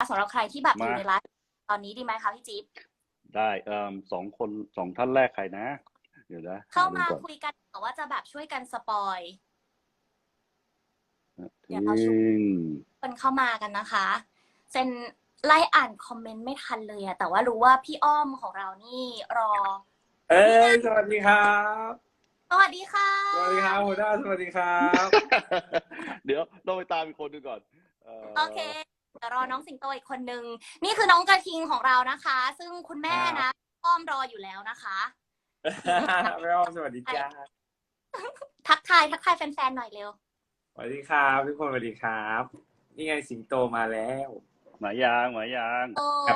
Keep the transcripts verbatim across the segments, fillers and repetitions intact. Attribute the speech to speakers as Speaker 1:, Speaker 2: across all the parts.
Speaker 1: สำหรับใครที่แบบอ
Speaker 2: มา
Speaker 1: ยู่ในไลฟ์ตอนนี้ดีไหมคะพี่จิ๊บ
Speaker 2: ได้เอ่อสองคนสองท่านแรกใครนะ เดี๋ยวนะ
Speaker 1: เข้า
Speaker 2: หดู
Speaker 1: มา
Speaker 2: ก่อน
Speaker 1: คุยกันแต่ว่าจะแบบช่วยกันสปอย เดี๋
Speaker 2: ทิ้
Speaker 1: ยวเราช่วย
Speaker 2: ง
Speaker 1: คนเข้ามากันนะคะเซนไล่อ่านคอมเมนต์ไม่ทันเลยอะแต่ว่ารู้ว่าพี่อ้อมของเรานี่รอ
Speaker 3: เอ้
Speaker 1: นี่ไง
Speaker 3: ยสวัสดีครับ
Speaker 1: สวัสดีค่ะ
Speaker 3: สวัสดีครับหัวหน้าสวัสดีครับ
Speaker 2: เดี๋ยวต้องไปตามอีกคนดูก่อนเอ่อ
Speaker 1: โอเคเดี๋ยวรอน้องสิงโตอีกคนนึงนี่คือน้องกระทิงของเรานะคะ ซึ่งคุณแม่
Speaker 3: ครั
Speaker 1: นะ
Speaker 3: บ
Speaker 1: อ้อมรออยู่แล้วนะคะ
Speaker 3: แม่อ้อมสวัสดีจ้า
Speaker 1: ทักทายทักทายแฟนๆหน่อยเร็ว
Speaker 3: สวัสดีครับทุกคนสวัสดีครับ นี่ไงสิงโตมาแล้ว
Speaker 2: หมายางหมายาง
Speaker 1: โอ้
Speaker 3: ครับ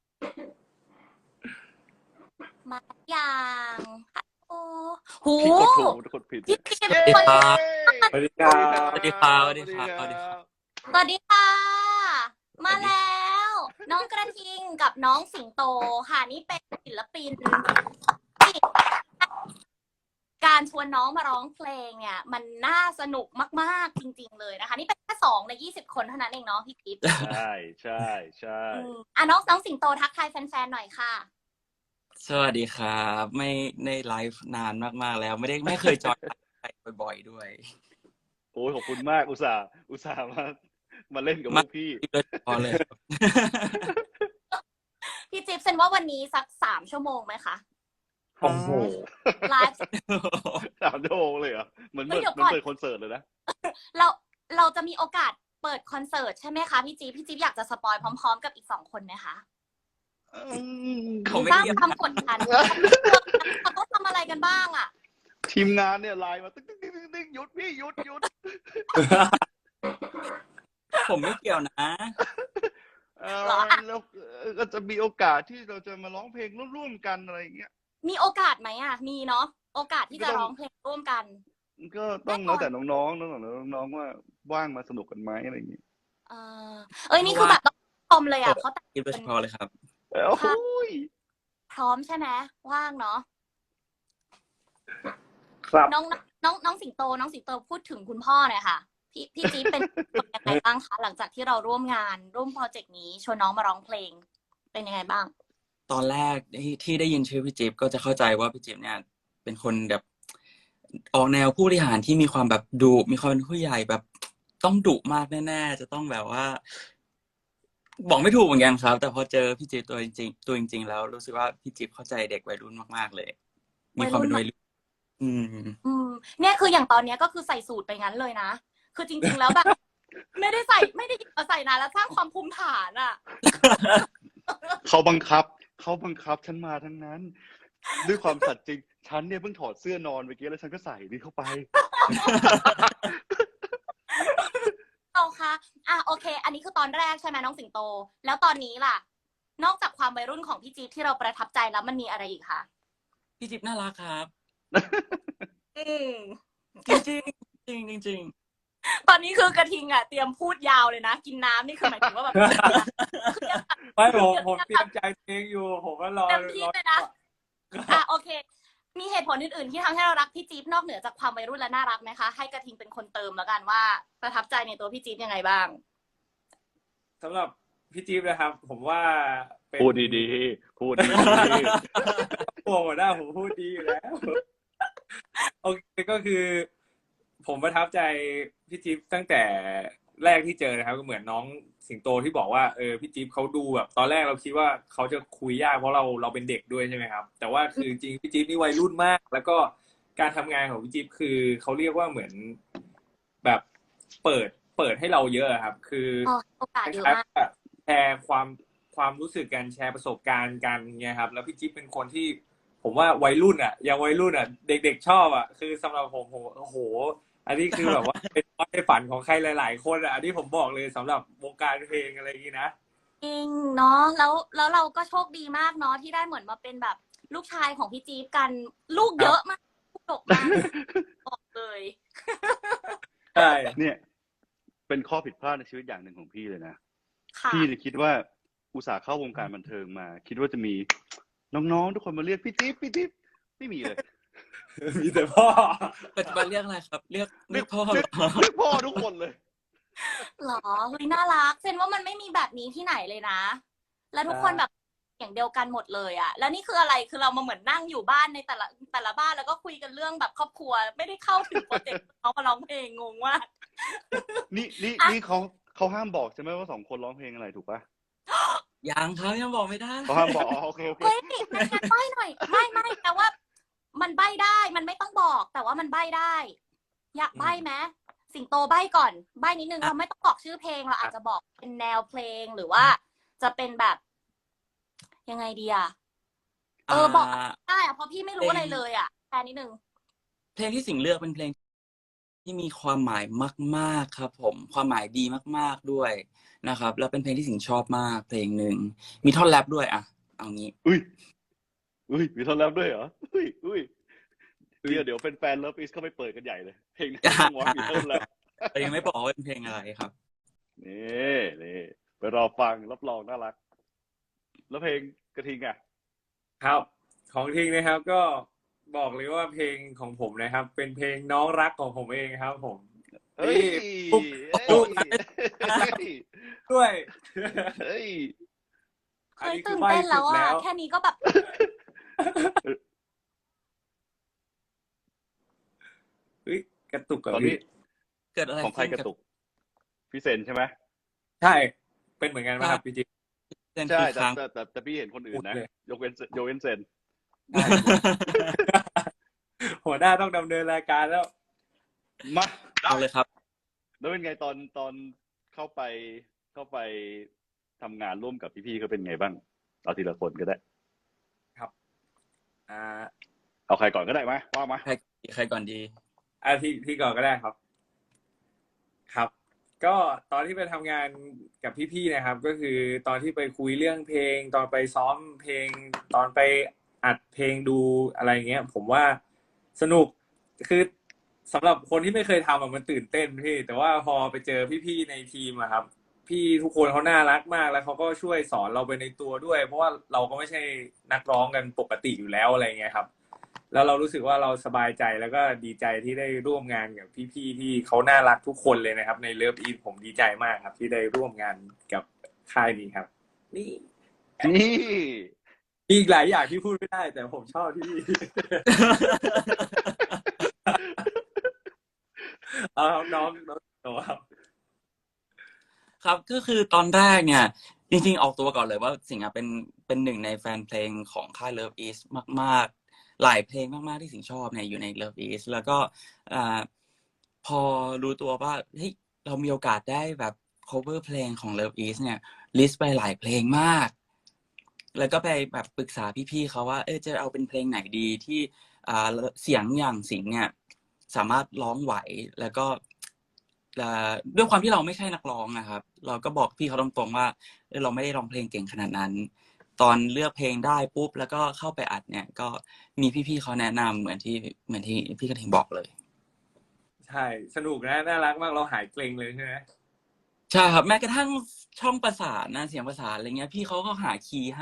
Speaker 1: มาอย่างโอ้โห
Speaker 2: พี่กดถูกกดผิด
Speaker 1: พี่จิ๊บ
Speaker 2: เย้
Speaker 1: คน
Speaker 3: สวัสดีครับ
Speaker 4: สวัสดีครับสวัสดีครับ
Speaker 2: สวัสดีครับ
Speaker 1: สวัสดีค่ะ มาแล้ว น้องกระทิงกับน้องสิงโตค่ะนี่เป็นศิลปินที่การชวนน้องมาร้องเพลงเนี่ย มันน่าสนุกมากๆจริงๆเลยนะคะ นี่เป็นแค่สองในยี่สิบคนเท่านั้นเองเนาะพี่จิ๊บ
Speaker 2: ใช่ใช่ใช่
Speaker 1: อืมอ่ะน้องน้องสิงโตทักทายแฟนๆหน่อยค่ะ
Speaker 4: สวัสดีครับ ไม่ในไลฟ์นานมากๆแล้ว ไม่ได้ไม่เคยจอยไลฟ์บ่อยๆด้วย
Speaker 2: โอ้ยขอบคุณมากอุตส่าห์อุตส่าห์มามาเล่นกับพ
Speaker 4: มาว
Speaker 2: กพี่
Speaker 4: โดยเฉพาะเลยครับ
Speaker 1: พี่จิ๊บเซนว่าวันนี้สักสามชั่วโมงไหมคะ
Speaker 3: โอ้โห
Speaker 1: ไลฟ์
Speaker 2: สามชั่วโมงเลยเหรอเหมือน
Speaker 1: เฮ้
Speaker 2: เปิ
Speaker 1: ย
Speaker 2: ด
Speaker 1: เดี๋ยว
Speaker 2: เหมือน
Speaker 1: ก่อน
Speaker 2: เปิดคอนเสิร์ตเลยนะ
Speaker 1: เราเราจะมีโอกาสเปิดคอนเสิร์ตใช่ไหมคะพี่จิ๊บพี่จิ๊บอยากจะสปอยพร้อมๆกับอีกสองคนไหมคะ
Speaker 4: ผมไม่
Speaker 1: สร้าง
Speaker 4: เกี่ยว
Speaker 1: ความกดดันเขาต้องทำอะไรกันบ้างอ่ะ
Speaker 2: ทีมงานเนี่ยไลน์มาตึ๊กตึ๊กตึ๊กตึ๊กหยุดพี่หยุดหยุด
Speaker 4: ผมไม่เกี่ยวนะ
Speaker 2: เออ
Speaker 1: เหรอ
Speaker 2: แล้วก็จะมีโอกาสที่เราจะมาร้องเพลงร่วมๆกันอะไรอย่างเงี้ย
Speaker 1: มีโอกาสไหมอ่ะ มีเนาะโอกาสที่จะ
Speaker 2: ก็ต้อง
Speaker 1: ร้องเพลงร่วมกัน
Speaker 2: ก็ต้องแล้วแต่น้องๆแล้วแต่น้องๆว่าว่างมาสนุกกันไหมอะไรอย่างเงี้ย
Speaker 1: เออเอ้ยนี่คือแบบต้องชมเลยอ่ะเขาแต่ง
Speaker 4: คิดโดยเฉพาะเลยครับ
Speaker 2: เอ้าโอ้ย
Speaker 1: พร้อมใช่ไหมว่างเนาะ
Speaker 3: ครับ
Speaker 1: น้องน้องน้องสิงโต น้องสิงโตพูดถึงคุณพ่อหน่อยค่ะ พี่พี่จี๊บเป็นยังไงบ้างคะหลังจากที่เราร่วมงานร่วมโปรเจกต์นี้ชวนน้องมาร้องเพลง เป็นยังไงบ้าง
Speaker 4: ตอนแรกที่ที่ได้ยินชื่อพี่จิ๊บก็จะเข้าใจว่าพี่จิ๊บเนี่ย เป็นคนแบบออกแนวผู้บริหารที่มีความแบบดุมีความเป็นผู้ใหญ่แบบต้องดุมากแน่ๆจะต้องแบบว่า บอกไม่ถูกเหมือนกันครับ แต่พอเจอพี่จิ๊บตัวจริงๆตัวจริง ๆ แล้วรู้สึกว่าพี่จิ๊บเข้าใจเด็กวัยรุ่นมากๆเลย มีความเป็นวัยรุ่นอืม
Speaker 1: อืมเนี่ยคืออย่างตอนเนี้ยก็คือใส่สูตรไปงั้นเลยนะ คือจริงๆแล้วแบบ ไม่ได้ใส่ไม่ได้เอาใส่นานแล้วสร้างความภูมิฐานอ่ะ
Speaker 2: เขาบังคับเขาบังคับฉันมาทั้งนั้น ด้วยความสัตย์จริงฉันเนี่ยเพิ่งถอดเสื้อนอนเมื่อกี้แล้วฉันก็ใส่นี่เข้าไป
Speaker 1: เอาค่ะอ่ะโอเค อันนี้คือตอนแรกใช่ไหมน้องสิงโต แล้วตอนนี้ล่ะ นอกจากความวัยรุ่นของพี่จี๊บที่เราประทับใจแล้วมันมีอะไรอีกคะ
Speaker 4: พี่จิ๊บน่ารักครับ
Speaker 1: อืม
Speaker 4: จริงๆจริงๆจริง
Speaker 1: ตอนนี้คือกระทิงอ่ะเตรียมพูดยาวเลยนะ กินน้ำนี่คือหมายถึงว่าแบบ
Speaker 3: ไม่ผมผมเตรียมใจเพลงอยู่ ผมก็รอ
Speaker 1: เต็มที่
Speaker 3: รอ
Speaker 1: เลยนะ อ่ะโอเค มีเหตุผลอื่นๆที่ทำให้เรารักพี่จี๊บนอกเหนือจากความวัยรุ่นและน่ารักไหมคะ ให้กระทิงเป็นคนเติมแล้วกันว่าประทับใจในตัวพี่จี๊บยังไงบ้าง
Speaker 3: สำหรับพี่จี๊บนะครับ ผมว่าเป็น
Speaker 2: พูดดีๆพูดดี
Speaker 3: โหัวหน้าผมพูดดีอยู่แล้ว โอเคก็คือ ผมประทับใจพี่จิ๊บตั้งแต่แรกที่เจอนะครับ ก็เหมือนน้องสิงโตที่บอกว่าเออพี่จิ๊บเขาดูแบบ ตอนแรกเราคิดว่าเขาจะคุยยากเพราะเราเราเป็นเด็กด้วยใช่ไหมครับ แต่ว่าคือจริงๆพี่จิ๊บนี่วัยรุ่นมาก แล้วก็การทำงานของพี่จิ๊บคือเขาเรียกว่าเหมือนแบบเปิดเปิดให้เราเยอะครับ คือ
Speaker 1: อ๋อโอกาสเยอะมาก
Speaker 3: แชร์ความความรู้สึกกันแชร์ประสบการณ์กันเนี่ยครับ แล้วพี่จิ๊บเป็นคนที่ ผมว่าวัยรุ่นอ่ะยังวัยรุ่นอ่ะ เด็กๆชอบอ่ะคือสำหรับผมผมโอ้โห อันนี้คือแบบว่า เป็นความฝันของใครหลายๆคนอ่ะอันนี้ผมบอกเลยสำหรับวงการเพลงอะไรอย่างนี้นะ
Speaker 1: จริงเนาะแล้วแล้วเราก็โชคดีมากเนาะที่ได้เหมือนมาเป็นแบบลูกชายของพี่จี๊บกันลูกเยอะมากลูกดกมากบอกเลย
Speaker 3: ใช่
Speaker 2: เนี่ย เป็นข้อผิดพลาดในชีวิตอย่างหนึ่งของพี่เลยนะ
Speaker 1: ค่ะ
Speaker 2: พี่เนี่ยคิดว่าอุตส่าห์เข้าวงการบันเทิงมา คิดว่าจะมีน้องๆทุกคนมาเรียกพี่จิ๊บพี่จิ๊บไม่มีเลย
Speaker 3: มีแต่พ่อ
Speaker 4: ๆปัจจุบันเรียกอะไรครับ เรียกเรียกพ่อเหรอ
Speaker 2: เรียกพ่อทุกคนเลย
Speaker 1: หรอเฮ้ยน่ารักเซนว่ามันไม่มีแบบนี้ที่ไหนเลยนะ แล้วทุกคนแบบอย่างเดียวกันหมดเลยอะแล้วนี่คืออะไรคือเรามาเหมือนนั่งอยู่บ้านในแต่ละแต่ละบ้านแล้วก็คุยกันเรื่องแบบครอบครัวไม่ได้เข้าถึงโปรเจกต์เขามาร้องเพลงงงมาก
Speaker 2: นี่นี่นี่เขาเขาห้ามบอกใช่ไหมว่าสองคนร้องเพลงอะไรถูกปะ
Speaker 4: ยังครับยังบอกไม่ได้
Speaker 2: เขาห้ามบอกอ๋อโอเคโอเค
Speaker 1: เฮ้ยงั้นงั้นใบ้หน่อยไม่ไม่แต่ว่า มันใบ้ได้มันไม่ต้องบอก แต่ว่ามันใบ้ได้ อยากใบ้ไหมสิงโตใบ้ก่อนใบ้นิดนึงเราไม่ต้องบอกชื่อเพลงเราอาจจะบอกเป็นแนวเพลงหรือว่า จะเป็นแบบ ยังไงดีอะเออบอกได้อะเพราะพี่ไม่รู้อะไรเลยอะแค่นิดนึง
Speaker 4: เพลงที่สิงห์เลือกเป็นเพลงที่มีความหมายมากๆครับผมความหมายดีมากๆด้วยนะครับ แล้วเป็นเพลงที่สิงห์ชอบมากเพลงหนึ่งมีท่อนแรปด้วยอ่ะเอางี้
Speaker 2: อุ้ยอุ้ยมีท่อนแรปด้วยเหรออุ้ยอุ้ยเดี๋ยวเดี๋ยวเป็นแฟนเลิฟอีสเข้าไปเปิดกันใหญ่เลยเพลงนี้ต้องว่ามีท่อนแรป
Speaker 4: แต่ยังไม่บอกว่าเป็นเพลงอะไรครับ
Speaker 2: นี่นี่ไปรอฟังรับรองน่ารัก แล้วเพลงกระทิงอ่ะ
Speaker 3: ครับของทิ้งนะครับก็บอกเลยว่าเพลงของผมนะครับ เป็นเพลงน้องรักของผมเองครับ ผม
Speaker 2: เฮ้ย
Speaker 3: ปุ๊บ
Speaker 2: เฮ้ย
Speaker 3: ปุ๊บ
Speaker 2: เฮ้ย
Speaker 3: ด้วย
Speaker 2: เฮ้ย
Speaker 1: เคยตื่นเต้นแล้วอะแค่นี้ก็แบบ
Speaker 3: เฮ้ยกระตุกกับ
Speaker 2: ตอนนี้
Speaker 3: พี่
Speaker 4: เกิดอะไร
Speaker 2: ของใครกระตุกพี่เซนใช่ไหม
Speaker 3: ใช่เป็นเหมือนกันไหมครับพี่จิ๊บ
Speaker 4: เส้น
Speaker 2: ใช่
Speaker 4: คือ
Speaker 2: แต่
Speaker 4: ค้าง
Speaker 2: แต่แต่แต่พี่เห็นคนอื่นนะ
Speaker 3: พูดเลย
Speaker 2: ยกเว้นยกเว้นเซน
Speaker 3: หัวหน้าต้องดำเนินรายการแล้ว
Speaker 2: มา
Speaker 4: เอาเลยครับ
Speaker 2: แล้วเป็นไงตอนตอนเข้าไปเข้าไปทำงานร่วมกับพี่ๆเขาเป็นไงบ้างเอาทีละคนก็ได้
Speaker 3: อ่า
Speaker 2: เอาใครก่อนก็ได้ไหมว่ามา
Speaker 4: ใครใครก่อนดี
Speaker 3: อาที่ที่ก่อนก็ได้ครับ ครับ ก็ตอนที่ไปทำงานกับพี่ๆนะครับ ก็คือตอนที่ไปคุยเรื่องเพลง ตอนไปซ้อมเพลง ตอนไปอัดเพลงดูอะไรเงี้ย ผมว่าสนุกคือสำหรับคนที่ไม่เคยทำอะมันตื่นเต้นพี่แต่ว่าพอไปเจอพี่ๆในทีมอะครับ พี่ทุกคนเขาน่ารักมากแล้วเขาก็ช่วยสอนเราไปในตัวด้วย เพราะว่าเราก็ไม่ใช่นักร้องกันปกติอยู่แล้วอะไรเงี้ยครับ แล้วเรารู้สึกว่าเราสบายใจแล้วก็ดีใจที่ได้ร่วมงานกับพี่ๆที่เขาน่ารักทุกคนเลยนะครับ ในเลิฟอีทผมดีใจมากครับ ที่ได้ร่วมงานกับค่ายนี้ครับ นี่
Speaker 2: นี่
Speaker 3: มีอีกหลายอย่างที่พูดไม่ได้ แต่ผมชอบที่ เอาครับน้องน้องโตครับ
Speaker 4: ครับก็คือตอนแรกเนี่ย จริงๆออกตัวก่อนเลยว่าสิงห์อะเป็นเป็นหนึ่งในแฟนเพลงของค่าย Love East มากๆ หลายเพลงมากๆที่สิงห์ชอบเนี่ยอยู่ใน Love East แล้วก็อ่าพอรู้ตัวว่าเฮ้ยเรามีโอกาสได้แบบ cover เพลงของ Love East เนี่ยลิสต์ไปหลายเพลงมาก แล้วก็ไปแบบปรึกษาพี่ๆเขาว่าเออจะเอาเป็นเพลงไหนดีที่อ่าเสียงอย่างสิงห์เนี่ยสามารถร้องไหวแล้วก็อ่าด้วยความที่เราไม่ใช่นักร้องนะครับ เราก็บอกพี่เขาตรงๆว่าเออเราไม่ได้ร้องเพลงเก่งขนาดนั้น ตอนเลือกเพลงได้ปุ๊บแล้วก็เข้าไปอัดเนี่ย ก็มีพี่ๆเขาแนะนำเหมือนที่เหมือนที่พี่กระทิงบอกเลย
Speaker 3: ใช่สนุกนะน่ารักมากเราหายเกรงเลยใช่ไหม
Speaker 4: ใช่ครับแม้กระทั่งช่องประสานนะเสียงประสานอะไรเงี้ย พี่เขาก็หาคีย์ให้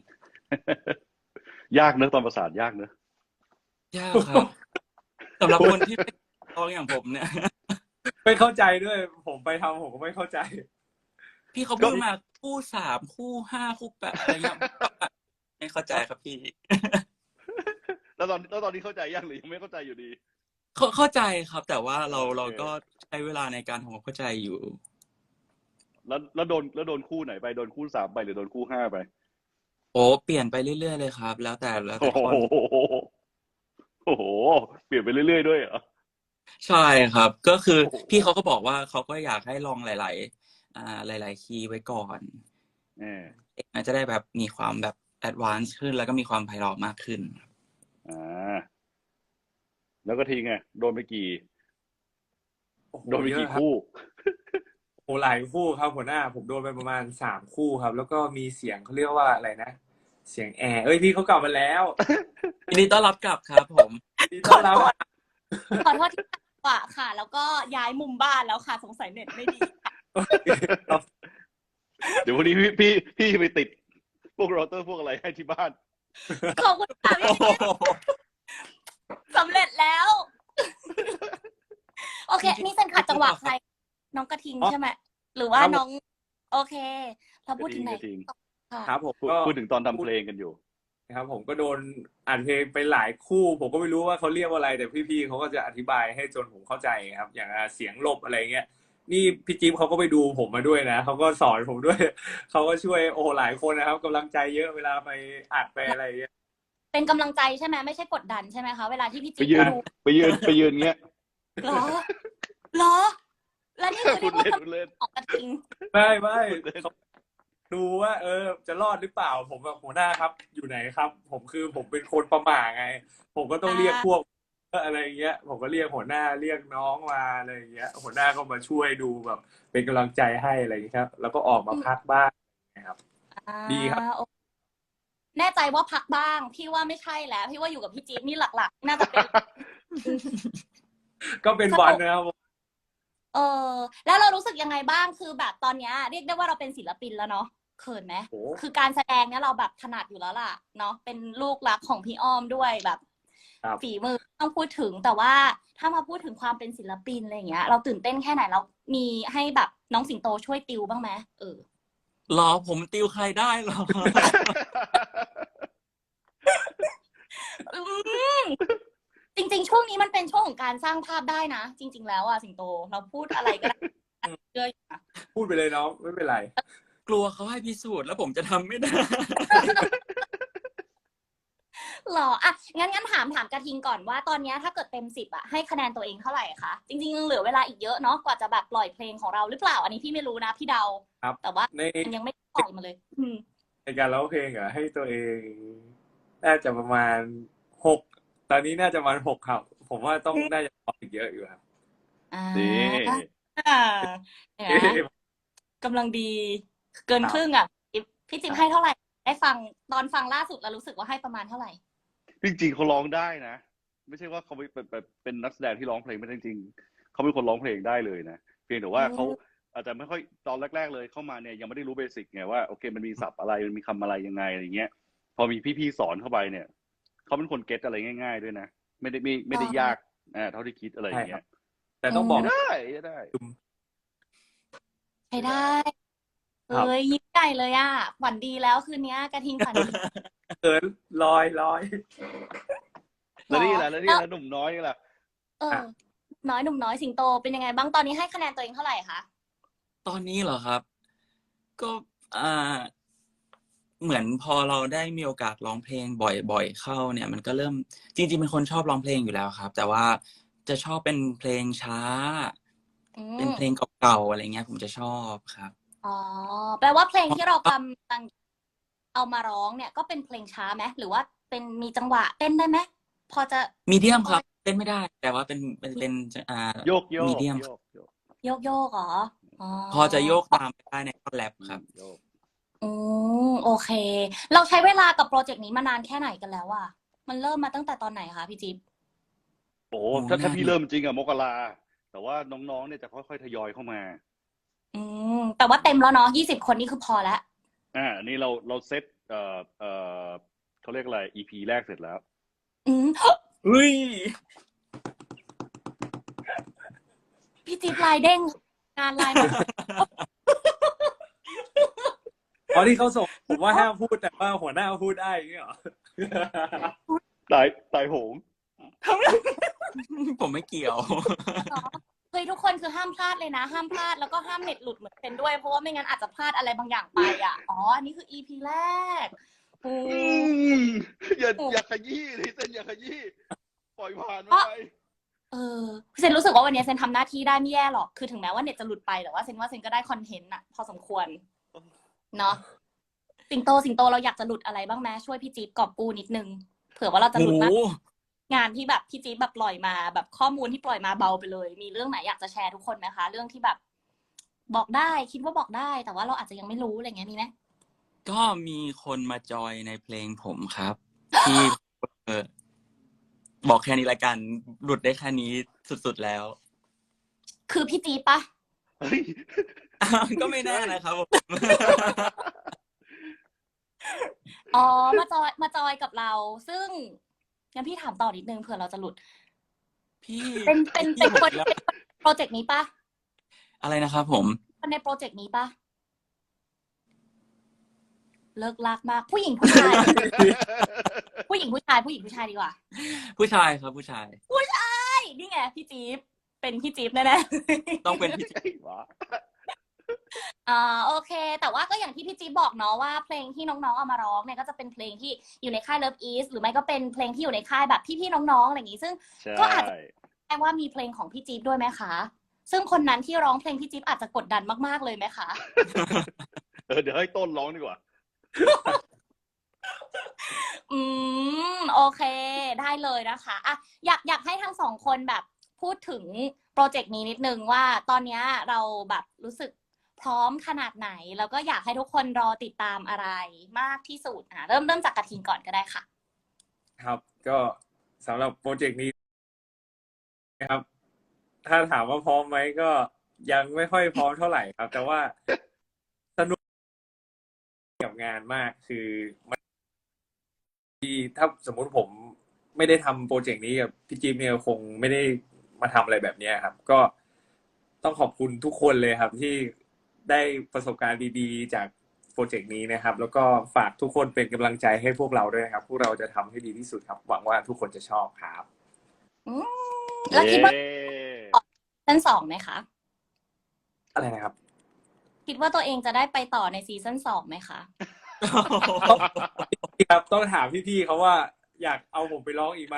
Speaker 2: ยากเนอะตอนประสานยากเนอะ
Speaker 4: ยากครับสำหรับคนที่ไม่ร้องอย่างผมเนี่ย
Speaker 3: ไม่เข้าใจด้วย ผมไปทำผมก็ไม่เข้าใจ
Speaker 4: พี่เขาพูดมาคู่สามคู่ห้าคู่แปดอะไรเงี้ยไม่เข้าใจครับพี่
Speaker 2: แล้วตอนแล้วตอนนี้เข้าใจยังหรือยังไม่เข้าใจอยู่ดี
Speaker 4: เข้าเข้าใจครับ แต่ว่าเรา
Speaker 2: โอเค
Speaker 4: เราก็ใช้เวลาในการทำความเข้าใจอยู่
Speaker 2: แล้วแล้วโดนแล้วโดนคู่ไหนไปโดนคู่สามไปหรือโดนคู่ห้าไป
Speaker 4: โอ้เปลี่ยนไปเรื่อยๆเลยครับ แล้วแต่แล้วแต่
Speaker 2: โอ้โห
Speaker 4: คน
Speaker 2: โอ้โหเปลี่ยนไปเรื่อยๆด้วยเหรอ
Speaker 4: ใช่ครับ ก็คือ
Speaker 2: โอ้โห
Speaker 4: พี่เขาก็บอกว่าเขาก็อยากให้ลองหลาย ๆ อ่าหลาย ๆ คีย์ไว้ก่อน
Speaker 2: เออ
Speaker 4: มันจะได้แบบมีความแบบแอดวานซ์ขึ้นแล้วก็มีความไพเราะมากขึ้น
Speaker 2: อ่าแล้วก็ทีไงโดนไปกี่
Speaker 3: โอ้โห
Speaker 2: โดนไป
Speaker 3: เย
Speaker 2: กี่
Speaker 3: อะครับ
Speaker 2: คู่
Speaker 3: โอ้หลายคู่ครับหัวหน้า ผมโดนไปประมาณสามคู่ครับ แล้วก็มีเสียงเขาเรียกว่าอะไรนะ เสียงแอร์เอ้ยพี่เขากลับมาแล้ว
Speaker 4: ยินดีต้อนรับกลับครับผม
Speaker 3: ดีต้อนรับอ่ะ
Speaker 1: ขอโทษที่ตัดจังหวะค่ะ แล้วก็ย้ายมุมบ้านแล้วค่ะ สงสัยเน็ตไม่ดี
Speaker 2: เดี๋ยววันนี้พี่พี่พี่ไปติดพวกเราเตอร์พวกอะไรให้ที่บ้าน
Speaker 1: ขอบคุณค่ะพี่สำเร็จแล้ว โอเค นี่เซนขัดจังหวะใคร น้องกระทิงใช่ไหมหรือว่า
Speaker 3: ครับผม
Speaker 1: น้อง โอเค เรา
Speaker 2: ก
Speaker 1: พู
Speaker 2: ระ
Speaker 1: ด
Speaker 2: ทิ
Speaker 1: ถึ
Speaker 2: ง
Speaker 1: งไหน
Speaker 2: กระทิง
Speaker 1: ค่ะ
Speaker 3: ครับผม
Speaker 2: พูด
Speaker 3: ก็
Speaker 2: พูดถึงตอนทำ
Speaker 3: พู
Speaker 2: เพ
Speaker 3: ด
Speaker 2: ลงกันอยู่
Speaker 3: ครับผมก็โดนอัดเพลงไปหลายคู่ ผมก็ไม่รู้ว่าเขาเรียกว่าอะไร แต่พี่ ๆ เขาก็จะอธิบายให้จนผมเข้าใจครับ อย่าง อ่า เสียงหลบ อะไรอย่างเงี้ย นี่พี่จิ๊บเขาก็ไปดูผมมาด้วยนะ เขาก็สอนผมด้วย เขาก็ช่วย โอ้โฮ หลายคนนะครับ กำลังใจเยอะเวลาไปอัดไปอะไรอย่างเงี้ย
Speaker 1: เป็นกำลังใจใช่ไหม ไม่ใช่กดดันใช่ไหมคะ เวลาที่พี่
Speaker 2: ไป
Speaker 1: จิ๊บ
Speaker 2: ยืน
Speaker 1: ดู
Speaker 2: ไปยืน ไปยืนเงี้ย
Speaker 1: เหรอ? เหรอ? แล้วนี่คือ
Speaker 2: พู
Speaker 1: เรีย
Speaker 2: ด
Speaker 1: กว่า
Speaker 2: เล่น
Speaker 1: กำ
Speaker 2: พูดเล่น
Speaker 1: ของกระทิง
Speaker 3: ไม่
Speaker 2: พูดเล่น
Speaker 3: ๆ เขา ดูว่า เออ จะรอดหรือเปล่า ผมแบบ "หัวหน้าครับ อยู่ไหนครับ?" ผม คือผมเป็นคนประหม่าไง ผมก็ต้อ
Speaker 1: อ
Speaker 3: งเรียก
Speaker 1: า
Speaker 3: พวก อะไรอย่างเงี้ย ผมก็เรียกหัวหน้า เรียกน้องมา อะไรอย่างเงี้ย หัวหน้าก็มาช่วยดูแบบเป็นกำลังใจให้ อะไรอย่างงี้ครับ แล้วก็ออกมา
Speaker 1: อืม
Speaker 3: พักบ้าง นะครับ
Speaker 1: อา
Speaker 3: ดีครับ
Speaker 1: โอ แน่ใจว่าพักบ้าง พี่ว่าไม่ใช่แล้ว พี่ว่าอยู่กับพี่จิ๊บนี่หลัก ๆ น่าจะ เป็น อืม
Speaker 3: ก็เป็น
Speaker 1: ส
Speaker 3: วัน
Speaker 1: นุก
Speaker 3: นะครับผม
Speaker 1: เออ แล้วเรารู้สึกยังไงบ้าง? คือแบบตอนเนี้ยเรียกได้ว่าเราเป็นศิลปินแล้วเนาะ เขินไหม?
Speaker 3: โอ้โฮ
Speaker 1: คือการแสดงเนี่ยเราแบบถนัดอยู่แล้วล่ะเนาะ เป็นลูกรักของพี่อ้อมด้วย แบบ
Speaker 3: ครับ
Speaker 1: ฝีมือไม่ต้องพูดถึง แต่ว่าถ้ามาพูดถึงความเป็นศิลปิน อะไรอย่างเงี้ย เราตื่นเต้นแค่ไหน? แล้วมีให้แบบน้องสิงโตช่วยติวบ้างไหม? เออ
Speaker 4: เหรอ? ผมติวใครได้หรอ?
Speaker 1: อืม จริง ๆ ช่วงนี้มันเป็นช่วงของการสร้างภาพได้นะ จริง ๆ แล้วอะสิงโต เราพูดอะไรก็ ได้
Speaker 3: อืม
Speaker 1: เชื่ออยู่นะ
Speaker 3: พูดไปเลยน้อง ไม่เป็นไร
Speaker 4: กลัวเขาให้พิสูจน์ แล้วผมจะทำไม่ได้
Speaker 1: เหรอ? อะ งั้น งั้นถาม ถามกระทิงก่อนว่า ตอนเนี้ยถ้าเกิดเต็ม สิบ อะ ให้คะแนนตัวเองเท่าไรคะ จริง ๆ ยังเหลือเวลาอีกเยอะเนาะ กว่าจะแบบปล่อยเพลงของเราหรือเปล่า? อันนี้พี่ไม่รู้นะ พี่เดา
Speaker 3: ครับ
Speaker 1: แต่ว่า
Speaker 3: ใน
Speaker 1: มันยังไม่ปล่อยมาเลย อืม
Speaker 3: ในการร้องเพลงเหรอ? ให้ตัวเอง น่าจะประมาณ หก ตอนนี้น่าจะประมาณ หก ครับ ผมว่าต้อง
Speaker 1: อืม
Speaker 3: น่าจะร้องอีกเยอะอยู่ครับ
Speaker 1: อา
Speaker 2: นี่
Speaker 1: เห็นไหม กำลังดี เกิน
Speaker 3: ครั
Speaker 1: ครึ่
Speaker 3: บ
Speaker 1: งอะ จิ๊บ พี่จิ๊บ
Speaker 3: ค
Speaker 1: ให้
Speaker 3: รับ
Speaker 1: เท่าไร? ได้ฟัง ตอนฟังล่าสุดแล้วรู้สึกว่าให้ประมาณเท่าไร?
Speaker 2: จริง ๆ เขาร้องได้นะ ไม่ใช่ว่าเขาไม่ แบบ แบบเป็นนักแสดงที่ร้องเพลงไม่ได้ จริง ๆ เขาเป็นคนร้องเพลงได้เลยนะ เพียงแต่
Speaker 1: อื
Speaker 2: ว่าเขา
Speaker 1: ม
Speaker 2: อาจจะไม่ค่อย ตอนแรก ๆ เลยเข้ามาเนี่ยยังไม่ได้รู้เบสิกไงว่า โอเค มันมีศัพท์อะไร มันมีคำอะไรยังไง อะไรอย่างเงี้ย พอมีพี่ ๆ สอนเข้าไปเนี่ย เขาเป็นคนเก็ตอะไรง่าย ๆ ด้วยนะ ไม่ได้ ไม่ ไม่ได้
Speaker 1: อ๋อ
Speaker 2: ยาก อา เท่าที่คิด อะไรอ
Speaker 3: ใช่
Speaker 2: ย่าง
Speaker 3: ค
Speaker 2: เง
Speaker 3: รี้ับ
Speaker 2: ย
Speaker 3: แต่
Speaker 1: อื
Speaker 3: ต้องบอก
Speaker 1: ม
Speaker 2: ได้ ใช้ได้
Speaker 3: อืม
Speaker 1: ใช้ได้ เอ
Speaker 3: ครับ
Speaker 1: ๊ย ยิ้มใหญ่เลยอะ ฝันดีแล้วคืนเนี้ย กระทิงฝัน ดี
Speaker 3: เขิน ลอย ลอย
Speaker 2: แล้
Speaker 1: เหรอ?
Speaker 2: วนี่ล่ะ แล้ว
Speaker 1: แ
Speaker 2: นี่
Speaker 1: ล้ว
Speaker 2: ล่ะ หนุ่มน้อยนี่ล่ะ?
Speaker 1: เอ
Speaker 3: อ
Speaker 1: อ น้อย หนุ่มน้อย สิงโตเป็นยังไงบ้าง? ตอนนี้ให้คะแนนตัวเองเท่าไรคะ?
Speaker 4: ตอนนี้เหรอครับ? ก็ อ่า เหมือนพอเราได้มีโอกาสร้องเพลงบ่อย ๆ เข้าเนี่ย มันก็เริ่ม จริง ๆ เป็นคนชอบร้องเพลงอยู่แล้วครับ แต่ว่าจะชอบเป็นเพลงช้า
Speaker 1: อื
Speaker 4: เป็นเพล
Speaker 1: ม
Speaker 4: งเก่า ๆ อะไรเงี้ย ผมจะชอบครับ
Speaker 1: อ๋อ แปลว่าเพลง
Speaker 4: เพราะ
Speaker 1: ที่เรา
Speaker 4: ก็
Speaker 1: กำลัง เอามาร้องเนี่ย ก็เป็นเพลงช้าไหม? หรือว่าเป็น มีจังหวะเต้นได้ไหม? พอจะ
Speaker 4: Medium
Speaker 1: พอ
Speaker 4: ครับ เต้นไม่ได้ แต่ว่าเป็น เป็น เป็น จ อ่า
Speaker 2: โยก
Speaker 4: Medium
Speaker 2: ๆ โย
Speaker 4: ครับ
Speaker 2: ก ๆ
Speaker 1: โยก ๆ เหรอ? อ๋อ
Speaker 4: พอจะโยก
Speaker 1: อ
Speaker 4: ตามไปได้ในท่อนแรป
Speaker 2: อืม
Speaker 4: ครับ
Speaker 2: โยก
Speaker 1: อืม โอเค เราใช้เวลากับพรอเจกต์นี้มานานแค่ไหนกันแล้วอะ? มันเริ่มมาตั้งแต่ตอนไหนคะพี่จิ๊บ?
Speaker 2: โอ้โฮ
Speaker 4: โอ้โฮ
Speaker 2: ถ้า
Speaker 4: น
Speaker 2: ถ้า
Speaker 4: าน
Speaker 2: พี่เริ่มจริง ๆ อะ มกรา แต่ว่าน้อง ๆ เนี่ยจะค่อย ๆ ทยอยเข้ามา
Speaker 1: อืม แต่ว่าเต็มแล้วเนาะ ยี่สิบ คนนี่คือพอแล้ว
Speaker 2: อา อันนี้เรา เราเซต เอ่อ เอ่อ เขาเรียกอะไร อี พี แรกเสร็จแล้ว
Speaker 1: อืม
Speaker 4: อุ๊ย
Speaker 1: พี่จิ๊บลายเด้ง งานไลน์ มา
Speaker 3: อ๋อ ที่เขาส่ง ผมว่าห้ามพูด แต่ว่าหัวหน้าพูดได้ อย่างงี้เหรอ?
Speaker 2: ตาย ตายโหง
Speaker 4: ผมไม่เกี่ยว
Speaker 1: เหรอ? เฮ้ย ทุกคนคือห้ามพลาดเลยนะ ห้ามพลาด แล้วก็ห้ามเน็ตหลุดเหมือนเซนด้วย เพราะว่าไม่งั้นอาจจะพลาดอะไรบางอย่างไปอะ อ๋อ อันนี้คือ อี พี แรก โอ้
Speaker 2: อืม อย่า
Speaker 1: โอ้
Speaker 2: อย่าขยี้สิ เซนอย่าขยี้ ปล่อยผ่านมัน
Speaker 1: เพราะ
Speaker 2: ไป
Speaker 1: เออ เซนรู้สึกว่าวันนี้เซนทำหน้าที่ได้ไม่แย่หรอก คือถึงแม้ว่าเน็ตจะหลุดไป แต่ว่าเซนว่าเซนก็ได้คอนเทนต์น่ะพอสมควร เนาะ สิงโต สิงโตเราอยากจะหลุดอะไรบ้างไหม? ช่วยพี่จิ๊บกอบกู้นิดหนึ่ง เผื่อว่าเราจะ
Speaker 4: โอ
Speaker 1: หลุ
Speaker 4: ้
Speaker 1: ด
Speaker 4: โ
Speaker 1: บ้าง
Speaker 4: ฮ
Speaker 1: งานที่แบบพี่จิ๊บแบบปล่อยมา แบบข้อมูลที่ปล่อยมาเบาไปเลย มีเรื่องไหนอยากจะแชร์ทุกคนไหมคะ? เรื่องที่แบบ บอกได้ คิดว่าบอกได้ แต่ว่าเราอาจจะยังไม่รู้ อะไรอย่างเงี้ย มีไหม?
Speaker 4: ก็มีคนมาจอยในเพลงผมครับ ที่ เอ่อ บอกแค่นี้แล้วกัน หลุดได้แค่นี้สุด ๆ แล้ว
Speaker 1: คือพี่จี๊บเปล่า?
Speaker 2: เฮ้ย
Speaker 4: ก็
Speaker 2: ไม่
Speaker 4: ไม่
Speaker 2: ใช
Speaker 4: แน่
Speaker 2: ่
Speaker 4: นะครับ ผม
Speaker 1: อ๋อ มาจอย มาจอยกับเรา ซึ่ง งั้นพี่ถามต่อนิดหนึ่ง เผื่อเราจะหลุด
Speaker 4: พี่
Speaker 1: เป็น เป็น
Speaker 4: พ
Speaker 1: เป็
Speaker 4: ี่
Speaker 1: น
Speaker 4: ผม
Speaker 1: คน
Speaker 4: แล้ว
Speaker 1: เป็นคนพรอเจกต์นี้เปล่า?
Speaker 4: อะไรนะครับผม?
Speaker 1: คนในโปรเจกต์นี้ปะเลิกลากมากผู้หญิงผู้ชาย ผู้หญิงผู้ชายผู้หญิงผู้ชายดีกว่า
Speaker 4: ผู้ชายครับผู้ชาย
Speaker 1: ใช่นี่ไงพี่จี๊บเป็นพี่จี๊บแน่ๆ
Speaker 4: ต้องเป็นพี่จิ๊บ
Speaker 2: ไอ้หวะ
Speaker 1: อ่าโอเค แต่ว่าก็อย่างที่พี่จี๊บบอกเนาะว่าเพลงที่น้องๆเอามาร้องเนี่ยก็จะเป็นเพลงที่อยู่ในค่าย Love East หรือไม่ก็เป็นเพลงที่อยู่ในค่ายแบบพี่ๆน้องๆอะไรอย่างงี้ซึ่ง
Speaker 2: ใช่
Speaker 1: ก็อาจจะแปลว่ามีเพลงของพี่จี๊บด้วยไหมคะซึ่งคนนั้นที่ร้องเพลงพี่จี๊บอาจจะกดดันมากๆเลยไหมคะ
Speaker 2: เออเดี๋ยวให้ต้นร้องดีกว่า
Speaker 1: อืมโอเคได้เลยนะคะอ่ะอยากอยากให้ทั้งสองคนแบบพูดถึงโปรเจกต์นี้นิดนึงว่าตอนนี้เราแบบรู้สึกพร้อมขนาดไหน แล้วก็อยากให้ทุกคนรอติดตามอะไรมากที่สุดอ่ะเริ่มเริ่มจากกระทิงก่อนก็ได้ค่ะ
Speaker 3: ครับ ก็สำหรับโปรเจกต์นี้นะครับ ถ้าถามว่าพร้อมไหมก็ยังไม่ค่อยพร้อมเท่าไหร่ครับ แต่ว่าสนุกกับงานมากคือมันที่ถ้าสมมุติผมไม่ได้ทำโปรเจกต์นี้กับพี่จิ๊บเนี่ยคงไม่ได้มาทำอะไรแบบนี้ครับ ก็ต้องขอบคุณทุกคนเลยครับ ที่ได้ประสบการณ์ดีๆ จากโปรเจกต์นี้นะครับ แล้วก็ฝากทุกคนเป็นกำลังใจให้พวกเราด้วยนะครับ พวกเราจะทำให้ดีที่สุดครับ หวังว่าทุกคนจะชอบครับ
Speaker 1: อืมแล้วคิดว่า
Speaker 2: เย้
Speaker 1: ซีซั่นสองไหมคะ
Speaker 3: อะไรนะครับ
Speaker 1: คิดว่าตัวเองจะได้ไปต่อในซีซั่นสองไหมคะ
Speaker 3: ครับต้องถามพี่ๆเขาว่าอยากเอาผมไปร้องอีกไหม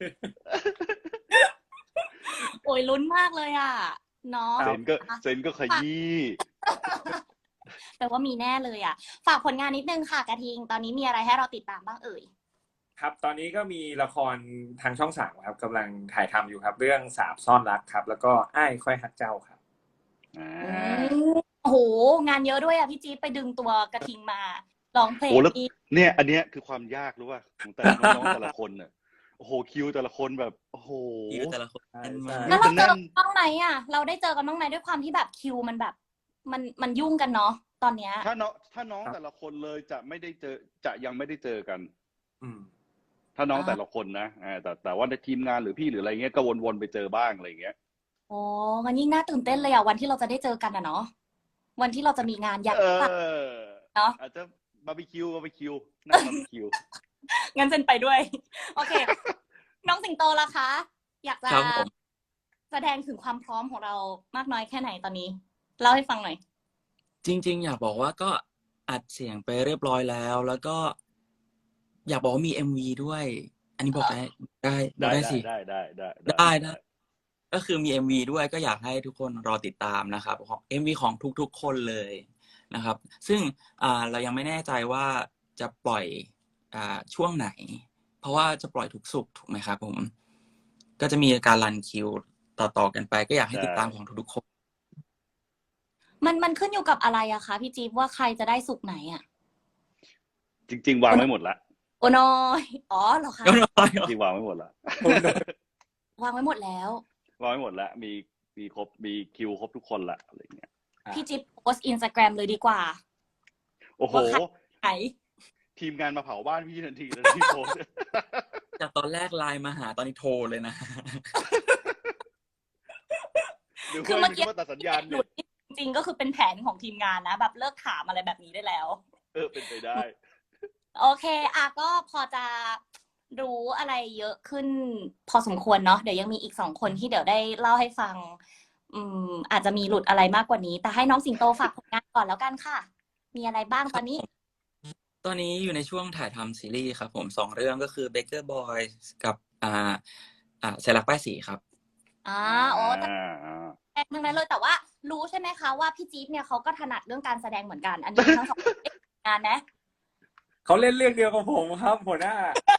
Speaker 1: โอ้ยลุ้นมากเลยอ่ะเนาะ
Speaker 2: เซนก็เซนก็ขยี้
Speaker 1: แต่ว่ามีแน่เลยอ่ะ ฝากผลงานนิดนึงค่ะกระทิง ตอนนี้มีอะไรให้เราติดตามบ้างเอ่ย
Speaker 3: ครับ ตอนนี้ก็มีละครทางช่องสามครับกำลังถ่ายทำอยู่ครับ เรื่องสาบซ่อนรักครับ แล้วก็อ้ายค่อยฮักเจ้าครับ
Speaker 2: อ่า
Speaker 1: อืมโอ้โห งานเยอะด้วยอ่ะพี่จี๊ดไปดึงตัวกระทิงมาร้องเพลง
Speaker 2: โอ้แล้ว
Speaker 1: อีก
Speaker 2: เนี่ย อันเนี้ยคือความยากรู้ป่ะของแต่ละน้องๆแต่ละคนเนี่ยโอ้โหคิวแต่ละคนแบบโอ้โห
Speaker 4: คิวแต่ละคนแน่นมาก
Speaker 1: แล้วเราเจอ
Speaker 2: แน่
Speaker 1: กัน นบ้างไหมอ่ะ เราได้เจอกันบ้างไหมด้วยความที่แบบคิวมันแบบ มันมันยุ่งกันเนาะตอนเนี้ย
Speaker 2: ถ้าน้องถ้าน้อง
Speaker 3: ครับ
Speaker 2: แต่ละคนเลยจะไม่ได้เจอจะยังไม่ได้เจอกัน
Speaker 3: อืม
Speaker 2: ถ้าน้อง
Speaker 1: อ่า
Speaker 2: แต่ละคนนะอ่าแต่แต่ว่าในทีมงานหรือพี่หรืออะไรเงี้ยก็วนๆไปเจอบ้างอะไรเงี้ย
Speaker 1: โอ้มันยิ่งน่าตื่นเต้นเลยอ่ะวันที่เราจะได้เจอกันอ่ะเนาะวันที่เราจะมีงานอยาก
Speaker 2: เอ
Speaker 1: จัด
Speaker 2: อ
Speaker 1: เนอะ
Speaker 2: อาจจะบาร์บีคิวบาร์บีคิวนั่งบาร์บีคิว
Speaker 1: งั้นเซนไปด้วย โอเค น้องสิงโตล่ะคะ อยากจะ
Speaker 4: ครับผม
Speaker 1: แสดงถึงความพร้อมของเรามากน้อยแค่ไหนตอนนี้ เล่าให้ฟังหน่อย
Speaker 4: จริง ๆ อยากบอกว่าก็อัดเสียงไปเรียบร้อยแล้ว แล้วก็ อยากบอกว่ามี เอ็ม วี ด้วย อันนี้บอกได้ได้บอก
Speaker 2: ได้
Speaker 4: ได้
Speaker 2: ได้
Speaker 4: สิ
Speaker 2: ได้ได้ได้
Speaker 4: ได้ได้ ก็คือมี เอ็ม วี ด้วยก็อยากให้ทุกคนรอติดตามนะครับของ เอ็ม วี ของทุกๆ คนเลยนะครับ ซึ่งอ่าเรายังไม่แน่ใจว่าจะปล่อยอ่าช่วงไหน เพราะว่าจะปล่อยทุกศุกร์ถูกไหมครับผม ก็จะมีการรันคิวต่อๆกันไป ก็อยากให้ติดตามของทุกๆคน
Speaker 1: มันมันขึ้นอยู่กับอะไรอะคะพี่จี๊บว่าใครจะได้สุกไหนอะ
Speaker 2: จริง ๆ วางไว้หมดละ
Speaker 1: โอ้น้อยอ๋อเหรอคะ
Speaker 2: จริงๆวางไว้หมดละ
Speaker 1: วางไว้หมดแล้ว
Speaker 2: วางไว้หมดละมีมีครบมีคิวครบทุกคนละอะไรเงี้ย
Speaker 3: อ่ะ
Speaker 1: พี่จิ๊บโพสอินสตาแกรมเลยดีกว่า
Speaker 2: โอ้โห
Speaker 1: ว่าใคร ไหน
Speaker 2: ทีมงานมาเผาบ้านพี่ทันทีเลยที่โพสต์
Speaker 4: จากตอนแรกไลน์มาหาตอนนี้โทรเลยนะ
Speaker 2: หรือ
Speaker 1: คือ
Speaker 2: ว่า
Speaker 1: เมื่อกี้
Speaker 2: หรือว่าตัดสัญญาณ
Speaker 1: ห
Speaker 2: เนี่
Speaker 1: ลุ
Speaker 2: ย
Speaker 1: ดจริงๆก็คือเป็นแผนของทีมงานนะ แบบเลิกถามอะไรแบบนี้ได้แล้ว
Speaker 2: เออเป็นไปได้
Speaker 1: โอเคอ่ะก็พอจะรู้อะไรเยอะขึ้น พอสมควรเนาะเดี๋ยวยังมีอีกสองคนที่เดี๋ยวได้เล่าให้ฟัง อืม อาจจะมีหลุดอะไรมากกว่านี้ แต่ให้น้องสิงโตฝากผลงานก่อนแล้วกันค่ะ มีอะไรบ้างตอนนี้
Speaker 4: ตอนนี้อยู่ในช่วงถ่ายทำซีรีส์ครับผมสองเรื่องก็คือ Baker Boys กับอ่าอ่าเซรักป้ายสีครับ
Speaker 1: อ่าโอ้แต่
Speaker 2: อ่าอ่า
Speaker 1: แสดงทั้งนั้นเลยแต่ว่ารู้ใช่ไหมคะว่าพี่จี๊บเนี่ยเขาก็ถนัดเรื่องการแสดงเหมือนกัน อันนี้ทั้งสองคนได้ทำงานนะ
Speaker 3: เขาเล่นเรื่องเดียวกับผมครับหัวหน้า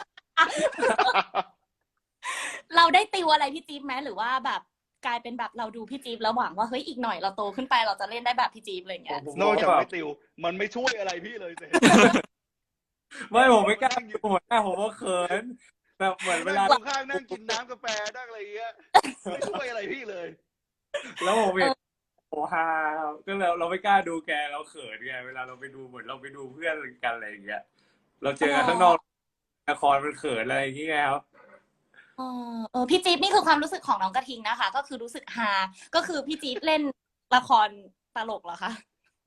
Speaker 1: เราได้ติวอะไรพี่จี๊บไหมหรือว่าแบบกลายเป็นแบบเราดูพี่จี๊บแล้วหวังว่าเฮ้ยอีกหน่อยเราโตขึ้นไปเราจะเล่นได้แบบพี่จี๊บอะไรอย่างเงี้ย
Speaker 3: ผม
Speaker 2: นอกจาก
Speaker 3: แบบ
Speaker 2: ไม่ติว มันไม่ช่วยอะไรพี่เลยเสร็จ
Speaker 3: ไม่ผมไม่กล้าอยู่หัวหน้าผมก็เขินแบบเหมือนเวลา
Speaker 2: นั่งข้างนั่งกินน้ำกาแฟนั่งอะไรอย่างเงี้ยไม่ช่วยอะไรพี่เลย
Speaker 3: แล้วผมเห็นโอ้ฮาก็เราเราไม่กล้าดูแกเราเขินไงเวลาเราไปดูเหมือนเราไปดูเพื่อนกันอะไรอย่างเงี้ยเราเจอกันข้างนอกละครมันเขินอะไรอย่างเงี้ยครับ
Speaker 1: เออเออพี่จี๊บนี่คือความรู้สึกของน้องกระทิงนะคะ ก็คือรู้สึกฮาก็คือพี่จี๊บเล่นละครตลกเหรอคะ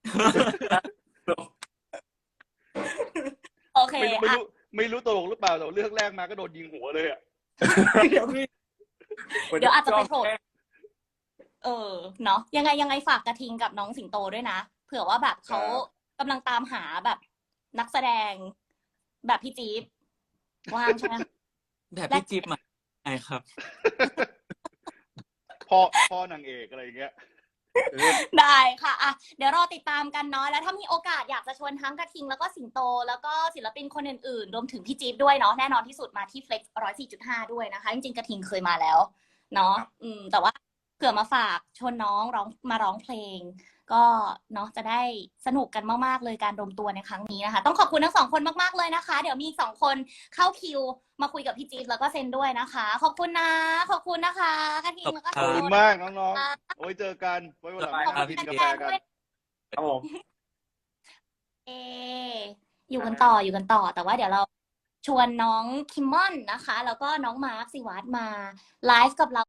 Speaker 1: โอเค
Speaker 2: ไม่รู้ไม่
Speaker 1: อ่ะ
Speaker 2: รู้ไม่รู้ตลกหรือเปล่าแต่เรื่องแรกมาก็โดนยิงหัวเลยอ่ะ
Speaker 1: เดี๋ยวเดี๋ยวอาจจะไปโผล่เออเนาะยังไงยังไงฝากกระทิงกับน้องสิงโตด้วยนะเผื่อว่าแบบเขา
Speaker 2: ครับ
Speaker 1: กำลังตามหาแบบนักแสดง แบบพี่จี๊บว่างใช่ไหม
Speaker 4: แบบพี่จิ๊บมาใช่ครับ
Speaker 2: พ่อพ่อนางเอกอะไรอย่างเงี้ย
Speaker 1: ได้ค่ะอ่ะ เดี๋ยวรอติดตามกันเนาะแล้วถ้ามีโอกาสอยากจะชวนทั้งกระทิงแล้วก็สิงโต แล้วก็ศิลปินคนอื่นๆ รวมถึงพี่จี๊บด้วยเนาะแน่นอนที่สุดมาที่ Flex หนึ่งร้อยสี่จุดห้าด้วยนะคะ จริงๆกระทิงเคยมาแล้ว เนาะอืม แต่ว่าเผื่อมาฝากชวนน้องร้องมาร้องเพลง ก็เนาะจะได้สนุกกันมากๆเลยการรวมตัวในครั้งนี้นะคะ ต้องขอบคุณทั้งสองคนมากๆเลยนะคะ เดี๋ยวมีอีกสองคนเข้าคิวมาคุยกับพี่จี๊บแล้วก็เซนด้วยนะคะ ขอบคุณนะ ขอบคุณนะคะกระทิงแล้วก็
Speaker 2: ขอบ
Speaker 1: สิง
Speaker 2: คุณ
Speaker 1: โต
Speaker 2: มากน้องๆโอ้ยเจอกันไว้วันหลัง
Speaker 1: ขอบ
Speaker 2: มา
Speaker 1: คุณ
Speaker 2: กินกา
Speaker 1: แฟ
Speaker 2: แฟ
Speaker 1: นๆ
Speaker 2: กัน
Speaker 1: ด้วย
Speaker 3: ครับผม
Speaker 1: เออยู่กันต่ออยู่กันต่อ แต่ว่าเดี๋ยวเราชวนน้องคิมมอนนะคะ แล้วก็น้องมาร์คสิวัตรมาไลฟ์กับเรา